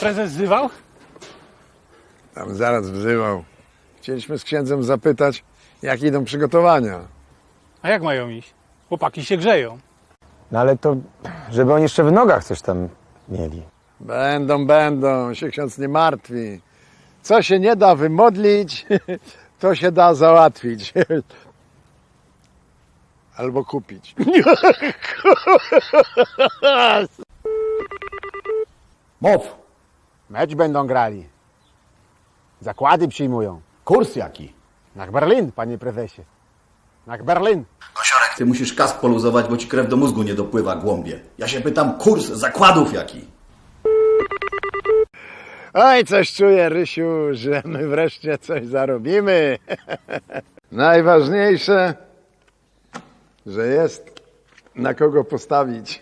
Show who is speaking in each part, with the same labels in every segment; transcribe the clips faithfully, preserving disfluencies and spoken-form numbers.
Speaker 1: prezes wzywał?
Speaker 2: Tam zaraz wzywał. Chcieliśmy z księdzem zapytać, jak idą przygotowania.
Speaker 1: A jak mają iść? Chłopaki się grzeją.
Speaker 3: No ale to, żeby oni jeszcze w nogach coś tam mieli.
Speaker 2: Będą, będą, się ksiądz nie martwi. Co się nie da wymodlić, to się da załatwić. Albo kupić.
Speaker 4: Mów. Mecz będą grali. Zakłady przyjmują. Kurs jaki? Na Berlin, panie prezesie. Na Berlin.
Speaker 5: Kosiorek, ty musisz kask poluzować, bo ci krew do mózgu nie dopływa, głąbie. Ja się pytam, kurs zakładów jaki?
Speaker 2: Oj, coś czuję, Rysiu, że my wreszcie coś zarobimy. Najważniejsze, że jest na kogo postawić.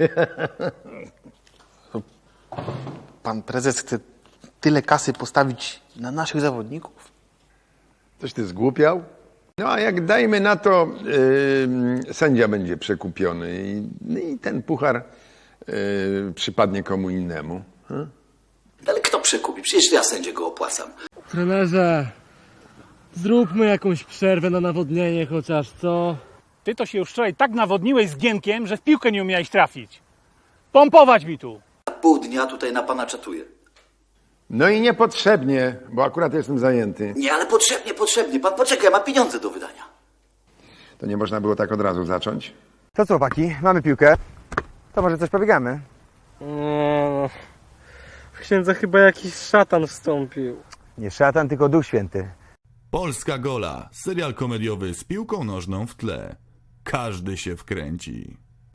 Speaker 6: Pan prezes chce tyle kasy postawić na naszych zawodników?
Speaker 2: Coś ty zgłupiał? No a jak dajmy na to, yy, sędzia będzie przekupiony i, i ten puchar yy, przypadnie komu innemu. Hmm?
Speaker 5: Ale kto przekupi? Przecież ja sędziego opłacam.
Speaker 7: Trenerze, zróbmy jakąś przerwę na nawodnienie chociaż, co?
Speaker 1: Ty to się już wczoraj tak nawodniłeś z Gienkiem, że w piłkę nie umiałeś trafić. Pompować mi tu.
Speaker 5: Pół dnia tutaj na pana czatuję.
Speaker 2: No i niepotrzebnie, bo akurat jestem zajęty.
Speaker 5: Nie, ale potrzebnie, potrzebnie. Pan poczekaj, ma pieniądze do wydania.
Speaker 2: To nie można było tak od razu zacząć?
Speaker 3: To co, chłopaki, mamy piłkę. To może coś pobiegamy?
Speaker 7: No, w księdza chyba jakiś szatan wstąpił.
Speaker 3: Nie szatan, tylko Duch Święty.
Speaker 8: Polska Gola, serial komediowy z piłką nożną w tle. Każdy się wkręci.